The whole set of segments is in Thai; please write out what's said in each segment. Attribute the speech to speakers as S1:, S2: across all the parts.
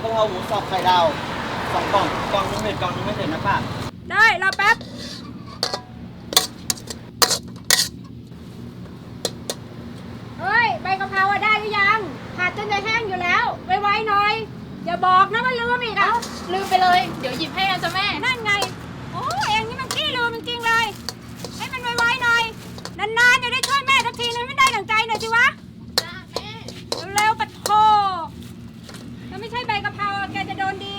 S1: กะเพราหมูสับไข่ดาว2 กล่องกล่องนึงเผ็ดกล่องนึงไม่เผ็ดนะป้า
S2: ได้รอแป๊บเฮ้ยใบกะเพราอะได้หรือยังผัดจนจะแห้งอยู่แล้วไวๆหน่อยอย่าบอกนะว่าลืมอีกอ่ะ
S3: ลืมไปเลยเดี๋ยวหยิบให้นะจ๊ะแม่
S2: นั่นไงโอ้เองนี่มันขี้ลืมจริงๆเลยให้มันไวๆหน่อยนานๆจะได้ช่วยแม่สักทีนึงไม่ได้ดั่งใจหน่อยสิวะ
S3: จ้าแม่
S2: เร็วๆปัดโถแล้วไม่ใช่ใบกะเพราแกจะโดนดี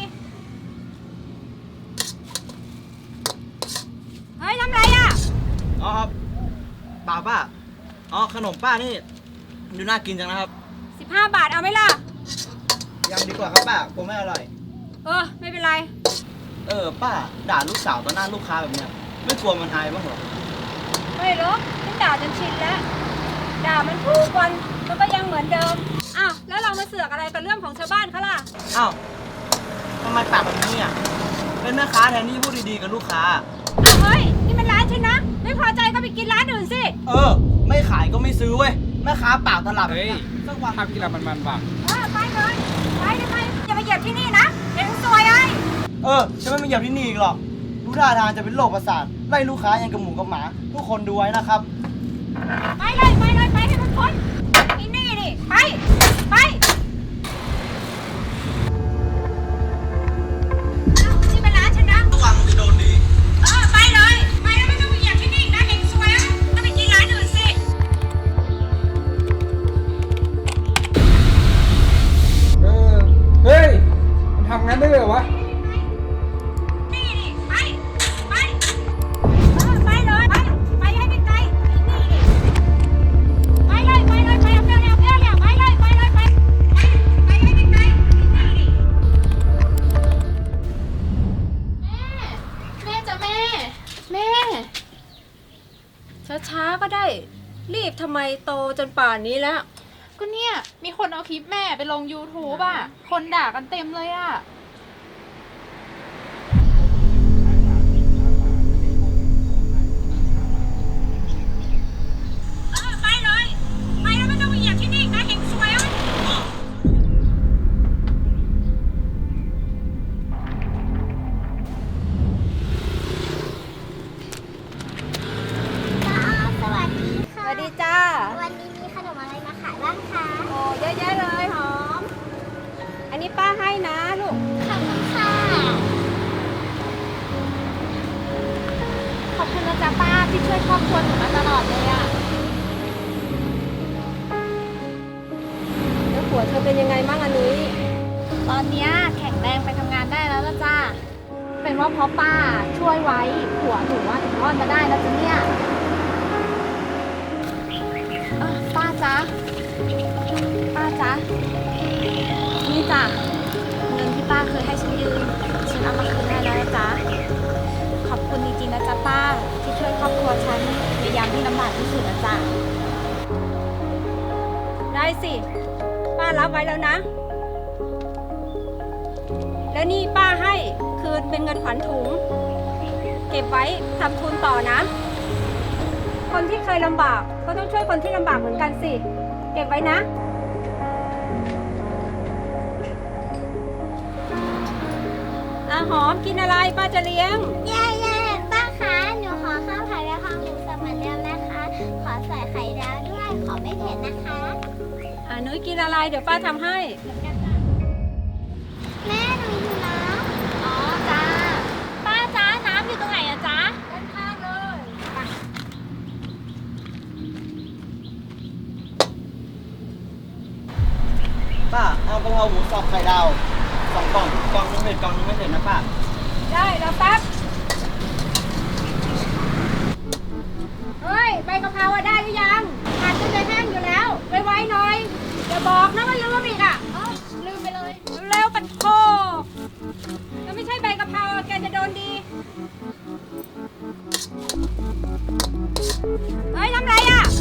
S2: เฮ้ยทำไรอ่ะ
S1: อ๋อเปล่าป้าอ๋อขนมป้านี่ดูน่ากินจังนะครับ
S2: 15 บาทเอาไหมล่ะ
S1: ยังดีกว่าครับป้ากลัวไม่อร่อย
S2: ไม่เป็นไร
S1: ป้าด่าลูกสาวต่อหน้าลูกค้าแบบเนี้ยไม่กลัวมันอายบ้างเหรอ
S2: ไม่หรอกฉันด่าจนชินแล้วด่ามันทุกวันมันก็ยังเหมือนเดิมอ้าวแล้วเรามาเสือกอะไรกับเรื่องของชาวบ้านเขาล่ะ
S1: อ้าวทำไมปากแบบนี้อ่ะเป็นแม่ค้าแทนที่พูดดีๆกับลูกค้า
S2: เฮ้ยนี่มันร้านฉันนะไม่พอใจก็ไปกินร้านอื่นสิ
S1: ไม่ขายก็ไม่ซื้อเว้ยแม่ค้าปากตลับ
S4: เฮ้ยสักวันทำกินอะไรมันบ้าง
S2: ไปเลยไปอย่ามาเหยียบที่นี่นะเดี๋ยวซวย
S1: ฉันไม่มาเหยียบที่นี่อีกหรอกดูท่าทางจะเป็นโรคประสาทไล่ลูกค้ายังกับหมูกับหมาทุกคนดูไว้นะครับ
S2: ไปเลยไปให้มันพ้นที่นี่ดิไปนี่เป็นร้านฉันนะ
S1: ระวังจะโดนดี
S2: ไปเลยไปแล้วไม่ต้องมาเหยียบที่นี่นะเห็นซวยต้องไปกินร้านอื่นสิ
S4: เฮ้ยมันทำงั้นได้เหรอวะ
S2: นี่ดิไปเลยไปให้ไกลๆนี่ดิไปเลยเอาเรื่องอย่าไปให้ไกลๆนี่ดิ
S3: แม่จ้ะแม่
S2: ช้าๆก็ได้รีบทำไมโตจนป่านนี้แล้ว
S3: ก็เนี่ยมีคนเอาคลิปแม่ไปลง YouTube อ่ะคนด่ากันเต็มเลยอ่ะ
S2: ไปเลยไปแล้วไม่ต้องมาเหยียบที่นี่นะเห็นซวย
S5: สวัสดีค่ะ
S2: สวัสดีจ้า
S5: วันนี้มีขนมอะไรมาขายบ้างคะ
S2: โอ้เยอะแยะเลยหอมอันนี้ป้าให้นะลูก
S5: ขอบคุณค่ะ
S3: ขอบคุณนะจ๊ะป้าที่ช่วยครอบครัวหนูมาตลอดเลยอ่ะ
S2: แล้วผัวเธอเป็นยังไงบ้างอันนี้
S3: ตอนเนี้ยแข็งแรงไปทำงานได้แล้วละจ้าเป็นว่าเพราะป้าช่วยไว้ผัวหนูว่าถึงรอดมาได้แล้วจ้ะเนี่ยป้าจ๊ะนี่จ้ะเงินที่ป้าเคยให้ฉันยืมฉันเอามาคืนให้แล้วนะจ๊ะขอบคุณจริงๆนะจ๊ะป้าที่ช่วยครอบครัวฉันในยามที่ลำบากที่สุดนะจ๊ะ
S2: ได้สิป้ารับไว้แล้วนะแล้วนี่ป้าให้คืนเป็นเงินขวัญถุงเก็บไว้ทำทุนต่อนะคนที่เคยลำบากก็ต้องช่วยคนที่ลำบากเหมือนกันสิเก็บไว้นะหอมกินอะไรป้าจะเลี้ยง
S5: เย้ป้าคะหนูขอข้าวผัดกะเพราหมูสับเหมือนเดิมนะคะขอใส่ไข่ดาวด้วยขอไม่เผ็ดนะคะ
S2: นุ้ยกินอะไรเดี๋ยวป้าทำให้
S5: แม่หนูอยู่นะ
S3: อ๋อจ้าป้าจ้าน้ำอยู่ตรงไหนอะจ๊ะ
S2: ด้านข้างเลย
S1: ป้าเอากะเพราหมูสับไข่ดาว2 กล่องกล่องนึงเผ็ดกล่องนึงไม่เผ็ดนะป้า
S2: ได้แล้วแป๊บเฮ้ยใบกะเพราได้หรือยังผัดจนจะแห้งอยู่แล้วไวๆหน่อยอย่าบอกนะว่าลืมอีกอ่ะ
S3: ลืมไปเลย
S2: เร็วๆปัดโถแล้วไม่ใช่ใบกะเพราแกจะโดนดีเฮ้ยทำไรอ่ะ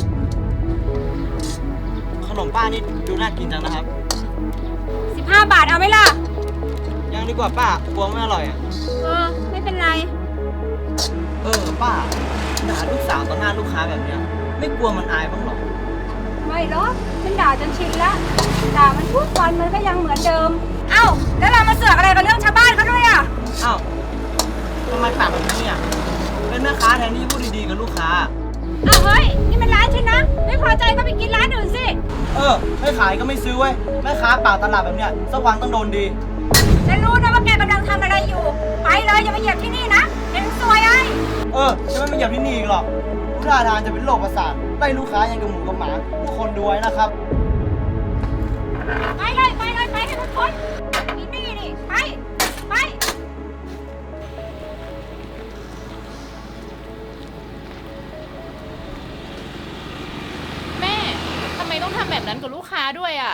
S1: ขนมป้านี่ดูน่ากินจังนะครับ
S2: 15 บาทเอาไหมล่ะ
S1: ยังดีกว่าป้ากลัวไม่อร่อยอ่ะ
S2: ไม่เป็นไร
S1: ป้าด่าลูกสาวต่อหน้าลูกค้าแบบเนี้ยไม่กลัวมันอายบ้างหรอ
S2: ไม่หรอกฉันด่าจนชินแล้วด่ามันทุกวันมันก็ยังเหมือนเดิม
S3: เอ้า
S2: าแล้วเรามาเสือกอะไรกับเรื่องชาวบ้านเขาด้วยอ่ะ
S1: อ้าวทำไมปากแบบนี้อ่ะเป็นแม่ค้าแทนที่จะพูดดีๆกับลูกค้า
S2: อ้าวเฮ้ย นี่มันร้านฉันนะ ไม่พอใจก็ไปกินร้านอื่นสิ
S1: ไม่ขายก็ไม่ซื้อเว้ยแม่ค้าปากตลาดแบบเนี้ยสักวันต้องโดนดี
S2: ฉันรู้นะว่าแกกำลังทำอะไรอยู่ ไปเลยอย่ามาเหยียบที่นี่นะเห็นซวยไอ้
S1: จะไม่มาเหยียบที่นี่อีกหรอกดูท่าทางจะเป็นโรคประสาทไล่ลูกค้ายังกับหมูกับหมาทุกคนดูไว้นะครับ
S2: ไปเลยไปเลยไปให้ทุกคนนี่นี่ไปไป
S6: แม่ ทำไมต้องทำแบบนั้นกับลูกค้าด้วยอ่ะ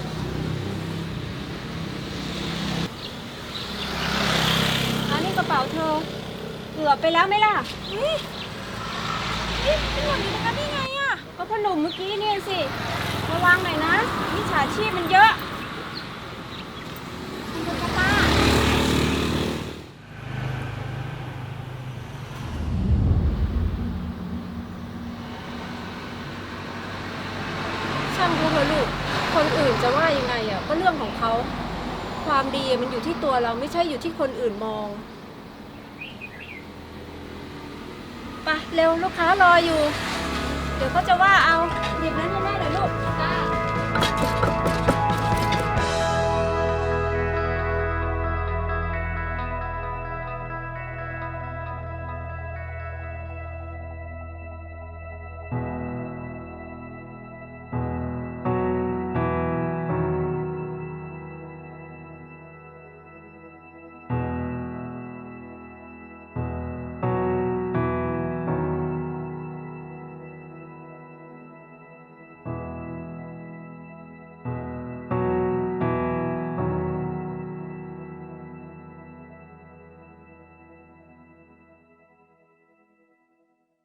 S2: อันนี้กระเป๋าเธอเกือบไปแล้วไหมล่ะนี่เป็นหล่นอยู่ตรงนั้นได้ไงอ่ะก็พ่อหนุ่มเมื่อกี้นี่สิระวังหน่อยนะมิจฉาชีพมันเยอะคุณป้าช่างเขาเถอะลูกคนอื่นจะว่ายังไงอ่ะก็เรื่องของเขาความดีมันอยู่ที่ตัวเราไม่ใช่อยู่ที่คนอื่นมองไปเร็วลูกค้ารออยู่ เดี๋ยวเขาจะว่าเอาหยิบนั้นให้แม่หน่อยลูกจ้า